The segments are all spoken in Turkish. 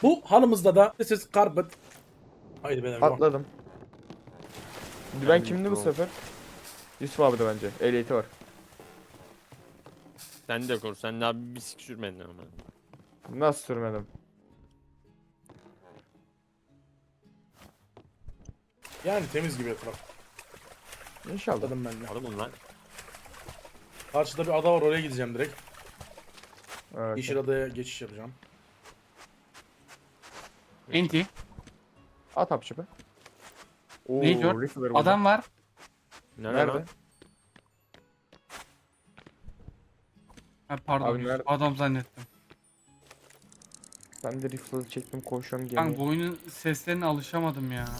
Bu halımızda da this is carpet. Haydi beyler. Devam. Atladım. Ben kimdi bu sefer? Yusuf abi de bence. Ehliyeti var. Sen de koru. Sen daha bir sik sürmedin ama. Nasıl sürmedim? Yani temiz gibi etraf. İnşallah. Atladım ben de. Adamın lan. Karşıda bir ada var, oraya gideceğim direkt. Evet. Yeşil adaya geçiş yapacağım. Enti. At hapçı be. Oo, Ne diyor? rifle burada. Adam var. Nerede? Nerede? Lan? Ha, pardon. Abi nerede? Adam zannettim. Ben de rifle çektim koşuyorum Kanka gemiye. bu oyunun seslerine alışamadım ya.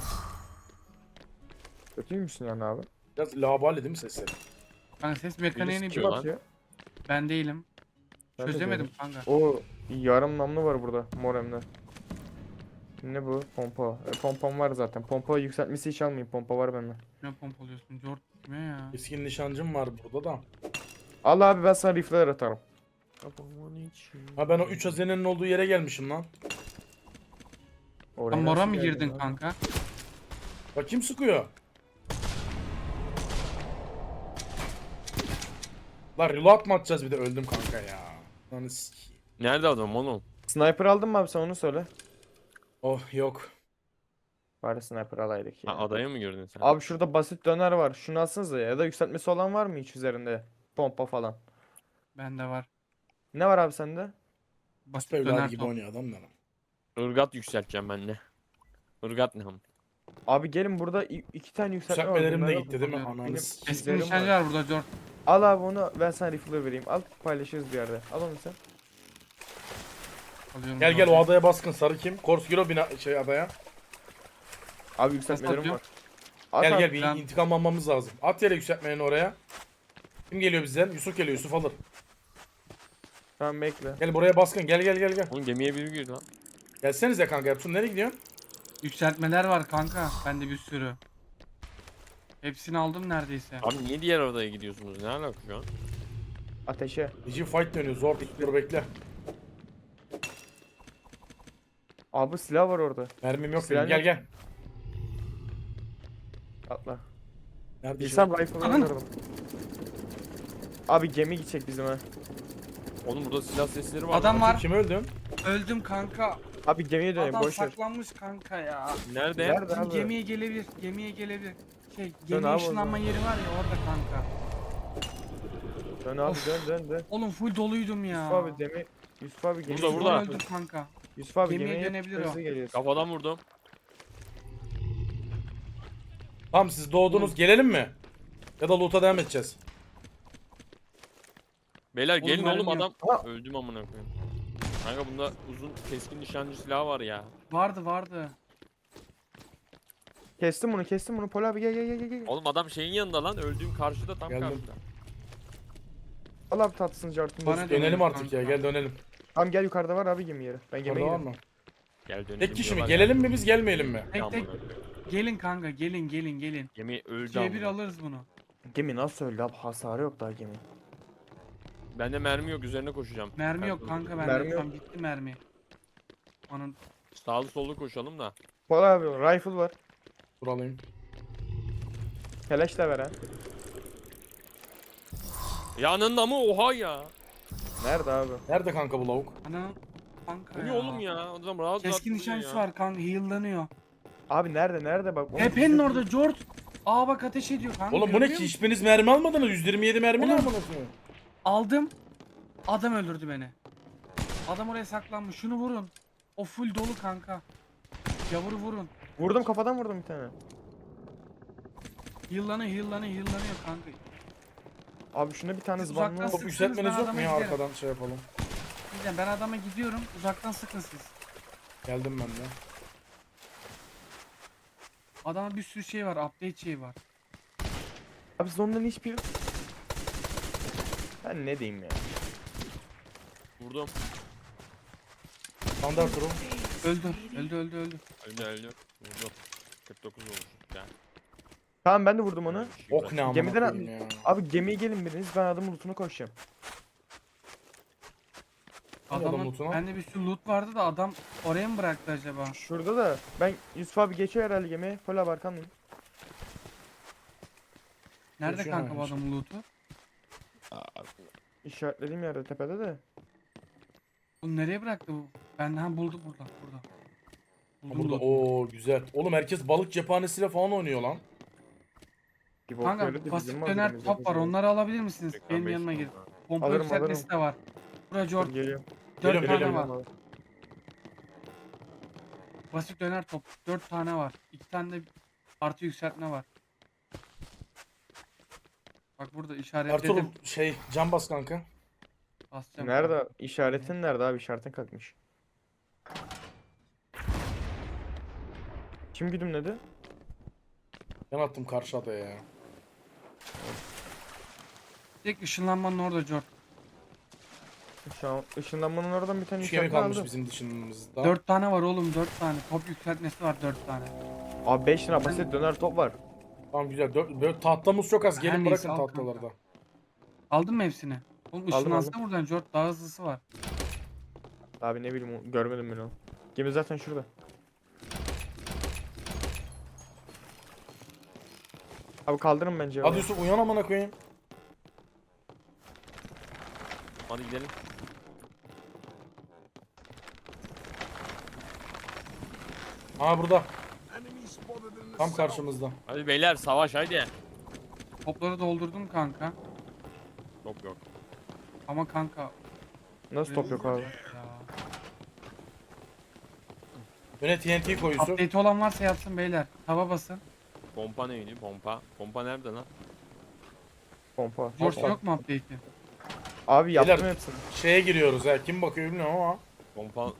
Kötü müsün yani abi? Biraz labali değil mi sesleri? Kanka ses mekaniğini Birisi Kim Diyor lan. atıyor? ben değilim. Ben de Çözemedim değilim. kanka. O yarım namlu var burada mor hem de. Ne bu? Pompa. Pompam var zaten. Pompa yükseltmesi hiç almayayım. Pompa var bende. Ne pompalıyorsun? Jort kime ya? Keskin nişancım var burada da. Al abi ben sana rifleler atarım. Ha ben o 3 hazinenin olduğu yere gelmişim lan. Oraya Sen mora nasıl mı geldin girdin abi? kanka? Bak kim sıkıyor? Lan reload mı atacağız bir de, öldüm kanka ya. Lan sikeyim. Nerede adam oğlum? Sniper aldın mı abi sen onu söyle. Oh yok. Bari sniper alaydık ya. Ha, adaya mı girdin sen? Abi şurada basit döner var. Şunu alsanıza ya da yükseltmesi olan var mı hiç üzerinde? Pompa falan. Bende var. Ne var abi sende? Basit Süper döner gibi top. oynuyor adam da lan. Irgat yükselteceğim ben de. Irgat ne ham? Abi gelin burada iki tane yükseltme var. Yükseltmelerim de Bunlar gitti değil mi? Benim Ananı benim- sikeyim. Keskin Bizlerim nişancı var. var burada Jort. Al abi onu ben sana rifle vereyim. Al paylaşırız bir yerde. Al onu sen. Alıyorum Gel gel o Jort'u. adaya baskın, sarı kim? Korskiro bina adaya. Abi yükseltmelerim atıyor? var. At Gel abi. gel bir ben- intikam almamız lazım. At yere yükseltmeni oraya. Kim geliyor bizden? Yusuf geliyor, Yusuf alır. Tamam bekle. Gel buraya baskın, gel gel gel gel. Oğlum gemiye biri girdi lan. Gelsenize kanka, Ertuğrul nereye gidiyorsun? Yükseltmeler var kanka. Bende bir sürü. Hepsini aldım neredeyse. Abi niye diğer adaya gidiyorsunuz? Ne alaka şu an? Ateşe. Gece fight dönüyor, zor dur bekle. Abi silah var orada. Mermim yok Silah benim, gel yok. gel. Atla. Nerede Bilsem rifle'ı Aman. alırdım. Abi gemi gidecek bizim ha. Oğlum burada silah sesleri var. Adam lan. var. Kim öldün? Öldüm kanka. Abi gemiye dönelim Adam boş ver. saklanmış kanka ya. Nerede? Nerede Bizim abi? gemiye gelebilir. Gemiye gelebilir. Şey, Dön gemi abi o ışınlanma zaman. yeri var ya orada kanka. Dön abi Of. dön dön. Oğlum full doluydum ya. Yusuf abi gemi. Yusuf abi gemi. Burada, burada. Öldüm kanka. Yusuf abi Gemiye gemiye dönebilir hızlı o. geliyorsun. Kafadan vurdum. Tamam siz doğdunuz, gelelim mi? Ya da loot'a devam edeceğiz. Beyler Oğlum gelin oğlum mermi adam. Ha. Öldüm amına koyayım. Kanka bunda uzun keskin nişancı silahı var ya. Vardı. Kestim bunu Pol abi gel. Oğlum adam şeyin yanında lan. Öldüğüm karşıda tam Geldim. karşıda. Al abi tatlısını cartını. Bana Bana Dönelim artık kanka. ya, gel dönelim. Tamam gel yukarıda var abi gemi yeri. Ben gemiye Orada var gidiyorum. mı? Gel dönelim. Tek kişi mi? diyorlar ya. Gelelim mi biz, gelmeyelim mi? Tek Amına tek. koyayım. Gelin kanka gelin. Gemi öldü C1 amına. alırız bunu. Gemi nasıl öldü abi? Hasarı yok daha gemi. Bende mermi yok, üzerine koşacağım. Mermi yok Ben- kanka Mermi bende. yok. Tam gitti mermi. Onun Sağlı sollu koşalım da. Pol abi rifle var. Dur alayım. Keleş de ver ha. Yanında mı? Oha ya. Nerede abi? Nerede kanka bu lavuk? ana kanka Bu ne ya. oğlum ya? Adam rahat Keskin rahat nişancısı duruyor ya. var kanka heal'lanıyor. Abi nerede bak. Tepenin orada Jort. Aa bak ateş ediyor kanka. Oğlum bu ne görüyor ki? musun? Hiçbiriniz mermi almadınız. 127 mermi ne Oğlum. amına koyayım? Aldım. Adam öldürdü beni. Adam oraya saklanmış. Şunu vurun. O full dolu kanka. Yavru vurun. Vurdum kafadan vurdum bir tane. Heal'lanıyor kanka. Abi şuna bir tane Siz zıbanlı uzaktan ol. Top sıksınız, yükseltmeniz ben yok mu adama ya, giderim. arkadan şey yapalım. Diyeceğim ben adama gidiyorum. Uzaktan sıkın siz. Geldim ben de. Adama bir sürü şey var. Update şeyi var. Abi siz onların hiçbir... Ben ne diyeyim ya. Vurdum. Standart durum. Öldü. Öldü. Vurdum. 49 olmuş. Gel. Tamam ben de vurdum onu. Ok ne amına Gemiden koyayım ya. Abi gemiye gelin biriniz ben adamın lootuna koşacağım. Hani adam Adamın lootuna? bende bir sürü loot vardı da adam oraya mı bıraktı acaba? Şurada da ben Yusuf abi geçiyor herhalde gemiye. Full abi arkandayım. Nerede Geçiyor kanka bu hala işte. adamın loot'u? İşaretlediğim yerde tepede de. Bu nereye bıraktı bu? Ben buldum burada. Buldum Burada loot'u. o güzel. Oğlum herkes balık cephanesiyle falan oynuyor lan. Bir bok Kanka öyle de bizim basit döner malzememiz top var. yok. Onları alabilir misiniz? Ekran Benim beş yanıma numara. gir. Pompa Alırım, yükseltmesi de var. Bura Dur, Jort. geliyorum. 4 Geliyorum, tane geliyorum. var. Basit döner top. 4 tane var. 2 tane de artı yükseltme var. Bak burada işaretledim. Ertuğrul cam bas kanka. Basacağım. Nerede? İşaretin nerede abi? İşaretin kalkmış. Kim güdümledi? Ben attım karşı adaya ya. Tek ışınlanmanın orada Jort. Şu an ışınlanmanın oradan bir tane 3 gemi işaretini kalmış aldım. bizim dışımızda. 4 tane var oğlum 4 tane. Top yükseltmesi var 4 tane. Abi 5 lira basit döner top var. Tamam güzel. Böyle tahtamız çok az. Her Gelin neyse, bırakın al tahtaları da. Aldın mı hepsini? Oğlum Aldım, ışınlansana buradan Jort daha hızlısı var. Abi ne bileyim görmedim ben onu. Gemi zaten şurada. Abi kaldırın bence. Hadi Yusuf uyan amına koyayım. Hadi gidelim. Ha burada. Tam karşımızda. Hadi beyler savaş haydi. Topları doldurdum kanka. Yok. Ama kanka Nasıl top yok abi? ya. Öne TNT koy Yusuf. Update olan varsa yapsın beyler. Tava basın. Pompa neydi? Pompa. Pompa nerede lan? Pompa. Jort Hoppa. yok mu update'i? Abi yaptım Beyler- hepsini. Şeye giriyoruz ha. Kim bakıyor bilmiyorum ama. Pompa.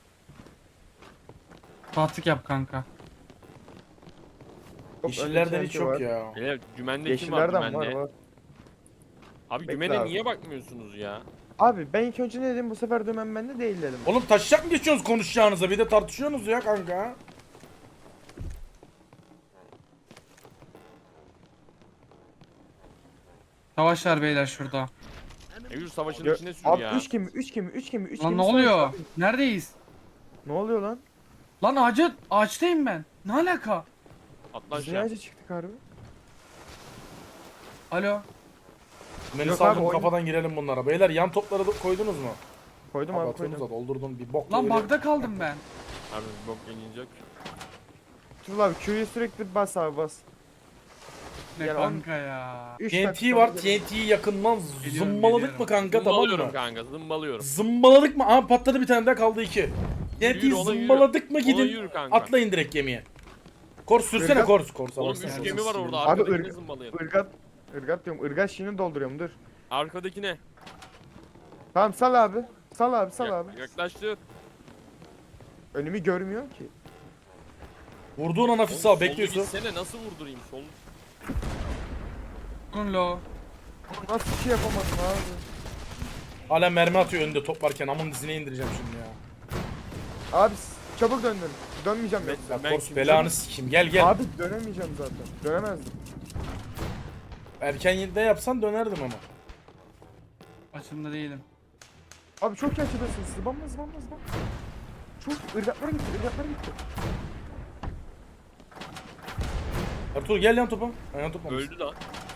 Fatih yap kanka. Çok Yeşillerden önde hiç TNT yok var. ya. Beyler dümende kim var Yeşillerden dümende? var. Abi Bekle dümene abi. niye bakmıyorsunuz ya? Abi ben ilk önce ne dedim bu sefer dönem bende değil dedim. Oğlum taşacak mı geçiyorsunuz konuşacağınıza? Bir de tartışıyorsunuz ya kanka. Savaşlar beyler şurada. Eylül savaşın Gö- içine sür Abi ya. 3 gemi 3 gemi 3 gemi 3 Lan gemi. ne savaş oluyor? abi. Neredeyiz? Ne oluyor lan? Lan ağaçtayım ben. Ne alaka? Atla Biz niye aşağı. ağaca çıktık harbi? Alo. Beni Yok saldım abi, oyun- kafadan girelim bunlara. Beyler yan topları da koydunuz mu? Koydum Abi abi atıyorsunuz koydum. da doldurdun bir bok Lan böyle. bug'da kaldım ben. Abi bok yenilecek. Tuğrul abi Q'yu sürekli bas abi bas. Ne Yani kanka ya. 3 TNT var. TNT'yi yakından Geliyorum, zımbaladık geliyorum. mı kanka tamam Zımbalıyorum mı? kanka zımbalıyorum. Zımbaladık mı? Aha patladı bir tane daha kaldı 2. TNT'yi Yürü, ona yürü. zımbaladık mı Ona gidin. yürü kanka. Atlayın direkt gemiye. Kors sürsene Irgat- Kors. Kors'a Oğlum baksana. 3 gemi var orada Abi arkadakine ırg- zımbalayın. Irgat diyorum. Irgat şeyini dolduruyorum dur. Arkadakine. Tamam sal abi. Sal abi sal abi. Yaklaştır. Önümü görmüyor ki. Vurduğun an hafif sağ bekliyorsun. Gitsene nasıl vurdurayım sol? Durun lo. Nasıl bir şey yapamadım abi. Hala mermi atıyor önünde top varken amın dizine indireceğim şimdi ya. Abi çabuk döndün. Dönmeyeceğim yoksa. Ya Ben Kors kim- belanı sikeyim gel gel. Abi dönemeyeceğim zaten. Dönemezdim. Erken de yapsan dönerdim ama. Açımda değilim. Abi çok iyi açıdasın. Zıbanma. Çok ırgatlara gitti. Ertuğrul gel yan topa. Ha, yan topa. Öldü lan.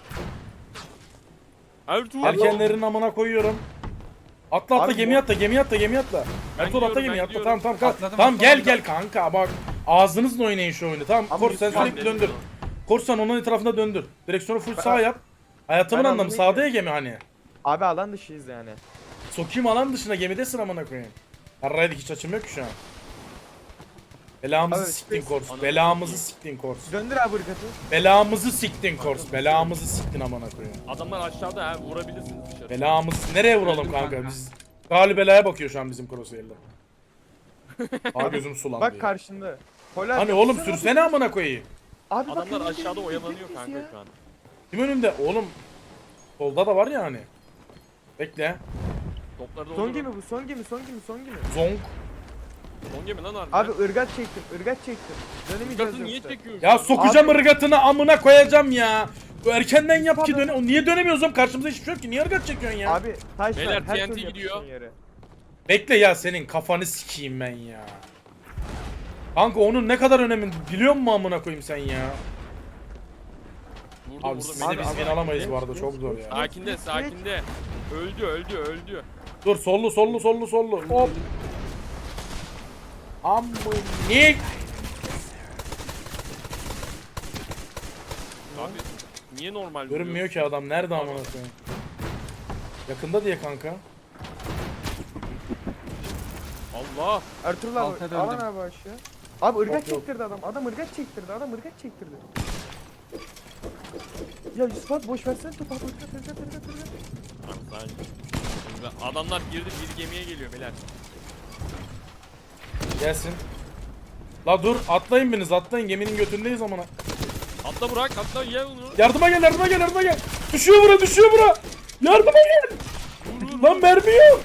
Ertuğrul. Erkenlerin amına koyuyorum. Atla Abi gemiye atla gemiye atla. Ben Ertuğrul atla gidiyorum, gemiye ben atla. gidiyorum. Tamam Atladım, Tamam gel atladım. kanka bak. Ağzınızla oynayın şu oyunu tamam. Abi Kors sen lütfen sürekli dedim döndür. ya. Kors sen onun etrafında döndür. Direksiyonu full Ben- sağ yap. Hayatımın Ben anlamı anlamayı- sağda ya gemi hani. Abi alan dışıyız yani. Sokayım alan dışına gemidesin amına koyayım. Harraydık hiç açım yok ki şu an. Belamızı Abi, siktin space- Kors. Ananı Belamızı sikeyim. siktin Kors. Döndür abi ırgatı. Belamızı siktin Kors. Belamızı siktin amına koyayım. Adamlar aşağıda ha vurabilirsiniz dışarı. Belamız nereye vuralım Öldüm kanka? kanka. Biz Galibela'ya bakıyor şu an bizim Crosshair'da. Aa gözüm sulandı. Bak ya. karşında. Polar Hani oğlum sürsene amına koyayım. Abi bak Adamlar önünde aşağıda bir oyalanıyor biz kanka ya. şu an. Kim önümde? Oğlum solda da var ya hani. Bekle. Topları da Son gemi bu son gemi. Zonk. Son gemi lan Abi ırgat çektim. Dönemeyeceğiz Irgatı niye yoksa. çekiyorsun? Ya sokacağım ırgatını amına koyacağım ya. Bu erkenden yap ki döne. O niye dönemiyoruz oğlum? Karşımızda hiçbir şey yok ki. Niye ırgat çekiyorsun ya? Abi taş Beyler, var. Her TNT türlü gidiyor. yapıştığın yere. Bekle ya, senin kafanı sikeyim ben ya. Kanka onun ne kadar önemli biliyor musun amına koyayım sen ya? Vurdu Abi vurdu. siz Mete de biz abi. win alamayız bu arada, Geç, çok geç, zor geç. ya. Sakinde sakinde. Öldü. Dur, sollu. Hop. Amınik. Abi niye normal Görünmüyor ki adam, nerede amına koyayım? Yakında diye kanka. Allah. Ertuğrul Alta abi döndüm. aman abi aşağı. Abi ırgat Yok. çektirdi adam. Adam ırgat çektirdi. Ya Yusuf abi boş versene topu abi. Irgat. Tamam, sadece. Şimdi adamlar girdi, bir gemiye geliyor beyler. Gelsin. La dur, atlayın biriniz, atlayın, geminin götündeyiz amına. Atla Burak, atla ye onu. Yardıma gel. Düşüyor bura. Yardıma gel. Lan mermi yok.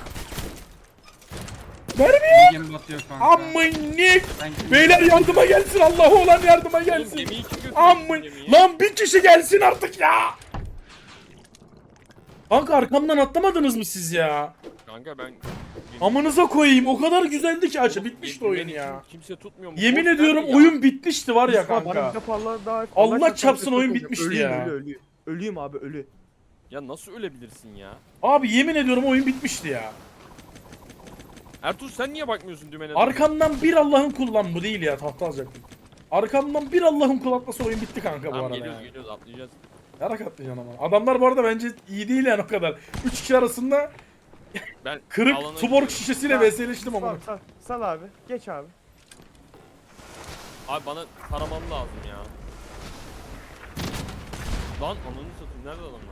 Gemi batıyor kanka. Amınik. Ben gemi- Beyler yardıma gelsin, Allah'u olan yardıma Oğlum gelsin. gemiyi kim götürüyor? Amın. Gemiyi? Lan bir kişi gelsin artık ya. Kanka arkamdan atlamadınız mı siz ya? Kanka ben... Amınıza koyayım, o kadar güzeldi ki açı Oğlum, bitmişti oyun beni ya. Kimse tutmuyor mu? Yemin Boş ediyorum ver ya. oyun bitmişti var ya Yusuf abi, bana bir kanka. kapı Allah daha. Allah çarpsın, oyun bitmişti ya. Ölüyüm abi ölü. Ya nasıl ölebilirsin ya? Abi yemin ediyorum oyun bitmişti ya. Ertuğrul sen niye bakmıyorsun dümene? Arkamdan bir Allah'ın kulu, lan bu değil ya, tahta alacaktım. Arkamdan bir Allah'ın kulu atması oyun bitti kanka bu Tamam arada geliyoruz ya. geliyoruz atlayacağız. Yarak atlayacaksın ama. Adamlar bu arada bence iyi değil yani o kadar. 3 kişi arasında Ben kırık alana tuborg gidiyorum. şişesiyle Sal, vs'leştim ama. Sal abi. Geç abi. Abi bana taramam lazım ya. Lan ananı satayım, nerede adamlar?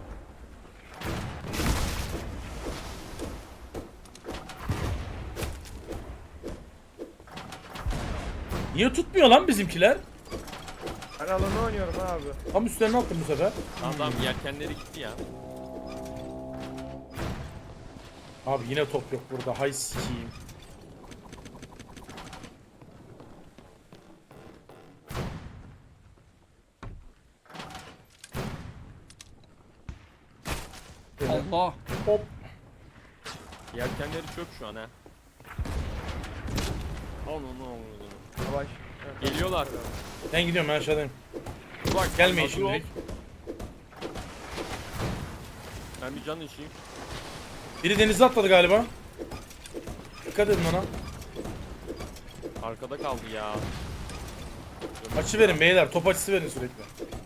Niye tutmuyor lan bizimkiler? Ben alanı oynuyorum abi. Tam üstlerine attım bu sefer. Tamam yelkenleri gitti ya. Abi yine top yok burada, hay sikiyim. Allah. Hop. Yelkenleri çöp şu an ha. Onu. Yavaş. Geliyorlar. Ben gidiyorum, ben aşağıdayım. Bak Gelmeyin hazır ol. şimdilik. Ben bir can içeyim. Biri denize atladı galiba. Dikkat edin ona. Arkada kaldı ya. Açı verin beyler, top açısı verin sürekli.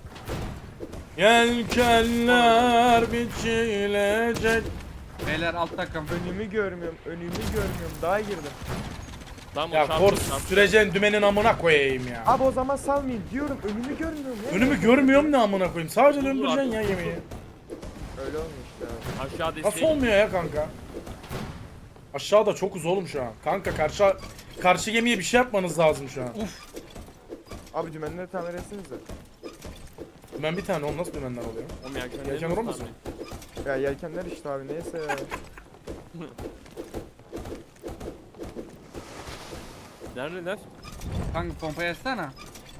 Yelkenler biçilecek. Beyler alt takım. Önümü görmüyorum. Daha girdim. Tamam, Ya çarptı, kors çarptı. süreceksin dümenin amına koyayım ya. Abi o zaman salmayayım diyorum. Önümü görmüyorum ya. Önümü görmüyorum ne amına koyayım. Sadece Dur, döndüreceksin dur, ya dur. yemeği. Öyle olmuş işte abi. Aşağı Nasıl destek. olmuyor ya kanka? Aşağıda çok uz oğlum şu an. Kanka karşı gemiye bir şey yapmanız lazım şu an. Abi dümenleri tamir etsenize. Dümen bir tane, o nasıl dümenler oluyor? Oğlum yelkenleri Yelken nasıl olmasın? tamir? Ya yelkenler işte abi neyse ya. Neredeler? Kanka pompayı açsana.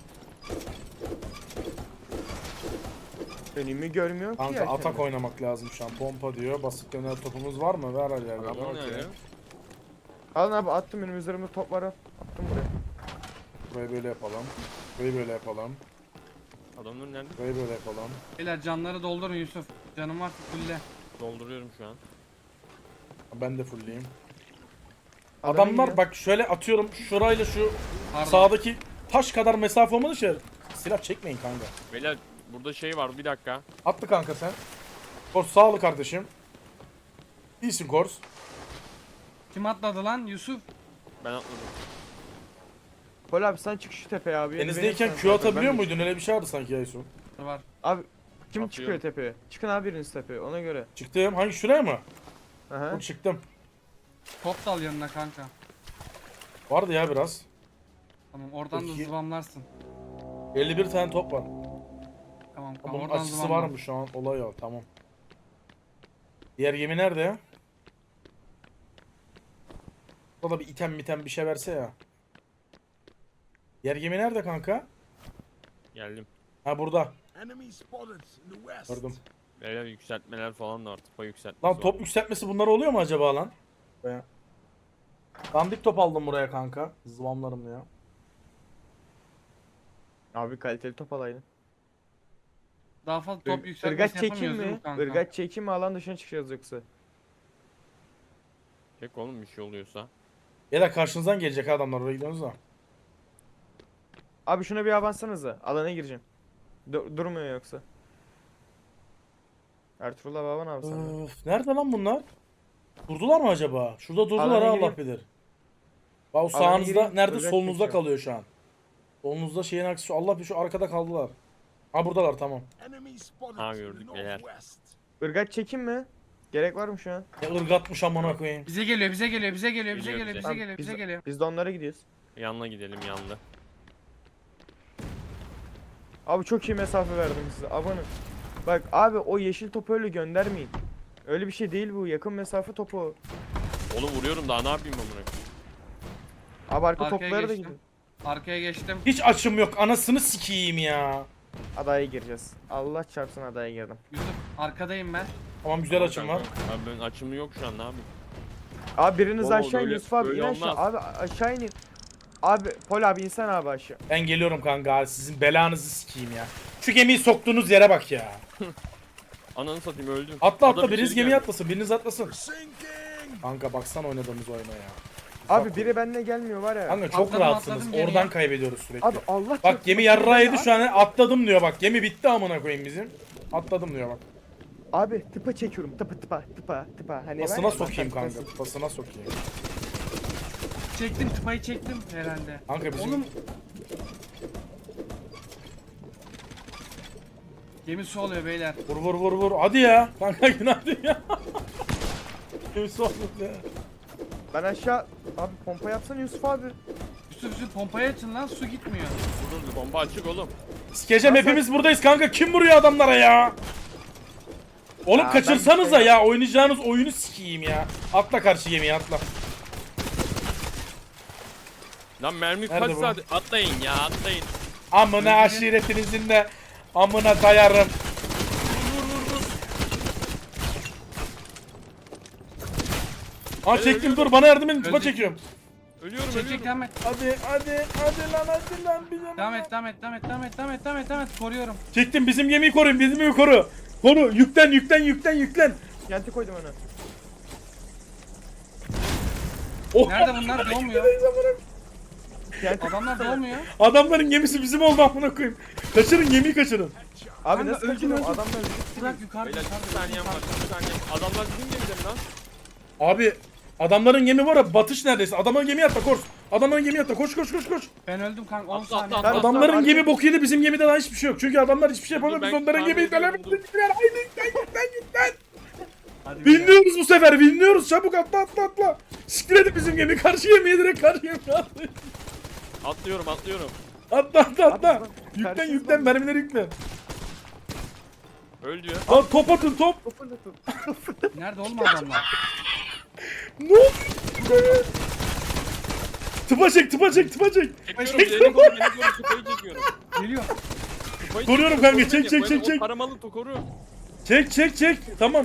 Önümü görmüyorum ki Kanka yelkenler. atak oynamak lazım şu an. Pompa diyor. Basit döner topumuz var mı? Ver hadi ya. Adamlar ne Okey. ya? Alın abi attım benim üzerimde top var. Attım buraya. Burayı böyle yapalım. Burayı böyle yapalım. Adamlar nerede? Burayı böyle yapalım. Beyler canları doldurun Yusuf. Canım varsa fulle. Dolduruyorum şu an. Ben de fullleyeyim. Adam Adamlar iniyor. bak şöyle atıyorum, şurayla şu Pardon. sağdaki taş kadar mesafe olmadı şey. Silah çekmeyin kanka. Beyler burada şey var, bir dakika. Attı kanka sen. Kors sağ ol kardeşim. İyisin Kors. Kim atladı lan Yusuf? Ben atladım. Pol abi sen çık şu tepeye abi. yeni Denizdeyken benim Q sen- atabiliyor ben de- muydun? Öyle bir şey vardı sanki Yaysu. Var. Abi kim Atıyorum. çıkıyor tepeye? Çıkın abi biriniz tepeye ona göre. Çıktım. Hangi şuraya mı? Aha. Yok, çıktım. Top dal yanına kanka. Vardı ya biraz. Tamam oradan da Peki. zıvamlarsın. 51 tane top var. Tamam Bunun oradan açısı zıvamla. var mı şu an? Olay o. Tamam. Diğer gemi nerede ya? Burada bir item bir şey verse ya. Diğer gemi nerede kanka? Geldim. Ha burada. Enemy spotted in the west. Gördüm. Beyler yükseltmeler falan da var. Tıpa yükseltmesi Lan var. top yükseltmesi bunlar oluyor mu acaba lan? Veya- Dandik top aldım buraya kanka. Zıvamlarım ya. Abi kaliteli top alaydın. Daha fazla top Irgat yükseltmesi çekim yapamıyoruz değil mi? mi kanka? Irgat çekim mi, alan dışına çıkacağız yoksa? Çek oğlum bir şey oluyorsa. Ya da karşınızdan gelecek adamlar oraya gidiyorsunuz da. Abi şuna bir avansanıza. Alana gireceğim. Durmuyor yoksa. Ertuğrul abi hava ne yapsın? Öf, nerede lan bunlar? Durdular mı acaba? Şurada durdular Alana ha, Allah gireyim. bilir. Bak o Alana sağınızda gireyim, nerede? Irgat Solunuzda çekiyor. kalıyor şu an. Solunuzda şeyin aksi şu, Allah bir şu arkada kaldılar. Ha buradalar, tamam. Enemy spotted Ha, to the gördük beyler. northwest. Irgat çekim mi? Gerek var mı şu an? Ya ırgatmış amına koyayım. Bize geliyor, bize geliyor, bize geliyor, bize Geliyor geliyor, bize. bize Tamam, geliyor, biz, bize geliyor. biz de onlara gidiyoruz. Yanına gidelim yanlı. Abi çok iyi mesafe verdim size. Abanın. Bak abi o yeşil topu öyle göndermeyin. Öyle bir şey değil bu. Yakın mesafe topu. Oğlum vuruyorum daha ne yapayım amına. Abi arka Arkaya toplara da geçtim. gidin. Arkaya geçtim. Hiç açım yok, anasını sikeyim ya. Adaya gireceğiz. Allah çarpsın adaya girdim. Yusuf arkadayım ben. Tamam, güzel açım var. Abi ben açımı yok şu an ne yapayım? Abi biriniz Oğlum, aşağı in öyle- Yusuf abi, öyle in aşağı. olmaz. Abi aşağı inin. Abi Pol abi insan abi aşağı. Ben geliyorum kanka, sizin belanızı sikeyim ya. Şu gemiyi soktuğunuz yere bak ya. Ananı satayım öldüm. Atla Adam atla, içeri biriniz gemiye geldi. atlasın, biriniz atlasın. Sinking! Kanka baksana oynadığımız oyuna ya. Abi biri benimle gelmiyor var ya. Kanka çok Atladım, rahatsınız, atladım geriye. oradan kaybediyoruz sürekli. Abi Allah Bak çarpsın. gemi yarrağı yedi şu an, atladım diyor bak. Gemi bitti amına koyayım bizim. Atladım diyor bak. Abi tıpa çekiyorum. Tıpa. Hani var Pasına ya, sokayım bak, kanka, pasına sokayım. Çektim, tıpayı çektim herhalde. Kanka bizim... Oğlum gemi su oluyor beyler. Vur. Hadi ya. Kanka günaydın ya. Gemi soğuk ya. Ben aşağı abi pompa yapsana Yusuf abi. Yusuf pompayı açın lan, su gitmiyor. Dur bomba açık oğlum. Sikeceğim, hepimiz buradayız kanka. Kim vuruyor adamlara ya? Oğlum Ya kaçırsanıza ben- ya. Oynayacağınız oyunu sikeyim ya. Atla karşı gemiye, atla. Lan mermi Nerede kaç bu? saat? Atlayın ya atlayın. Amına aşiretinizin de amına dayarım. Aa çektim, dur bana yardım edin, tıpa Öldük. çekiyorum. Ölüyorum Çek ölüyorum. devam et. Hadi lan bir yana. Devam et. Koruyorum. Çektim, bizim gemiyi koruyun, bizim gemiyi koru. Koru, yüklen. Yenti koydum ona. Oh. Nerede bunlar? Doğmuyor. Yenti. Adamlar doğmuyor. Adamların gemisi bizim oldu amına koyayım. Kaçırın, gemiyi kaçırın. Abi Kanka, nasıl öldüm, kaçırdım? öldüm. Adamlar Bırak yukarıda. Beyler yukarıda, bir saniyem var yukarıda. bir saniye. Adamlar bizim gemide mi lan? Abi adamların gemi var ya, batış neredeyse. Adamların gemiye atla, koş. Adamların gemiye atla, koş. Ben öldüm kanka, 10 Atla, saniye. atla, atla. Adamların Arka- gemi bok yedi, bizim gemide daha hiçbir şey yok. Çünkü adamlar hiçbir şey yapamıyor, Dur, biz ben onların tahmin gemiyi ediyorum, dur. delemediler. Haydi yüklen. Hadi beyler. Winliyoruz bu sefer, winliyoruz. Çabuk atla. Siktir edin bizim gemi, karşı gemiye direkt karşı gemiye atla. Atlıyorum. Atla. Abi, Yüklen, mermileri yüklen. Öl diyor. Lan top atın, top. Nerede oğlum adamlar? Ne oldu? Tıpa çek. Çekiyorum beni koru kupayı çekiyorum. Geliyor. Kupayı Koruyorum çekiyorum, kanka, koru beni. çek. O paramalı koru. Çek. Tamam.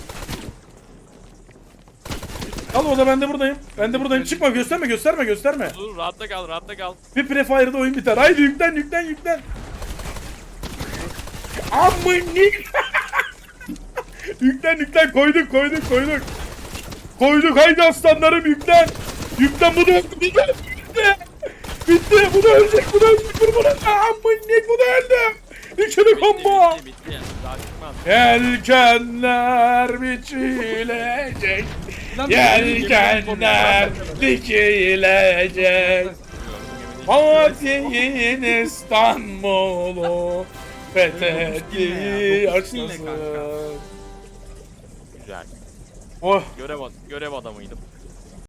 Al, o da ben de buradayım. Çıkma, gösterme. Dur rahatta kal. Bir prefire'da oyun biter. Haydi yüklen. Amınik. Yüklen, koyduk. Koyduk, haydi aslanlarım, yüklen. Bu da öldü. Bitti. Bu da ölecek. Vur bunu. Amınik, bu da öldü. İkili combo. Bitti. Daha çıkmaz. Yelkenler biçilecek. Lan Yelkenler dikilecek. Fatih'in İstanbul'u fethetti Dinle açılsın. kanka. Güzel. Oh, Görev adamıydım.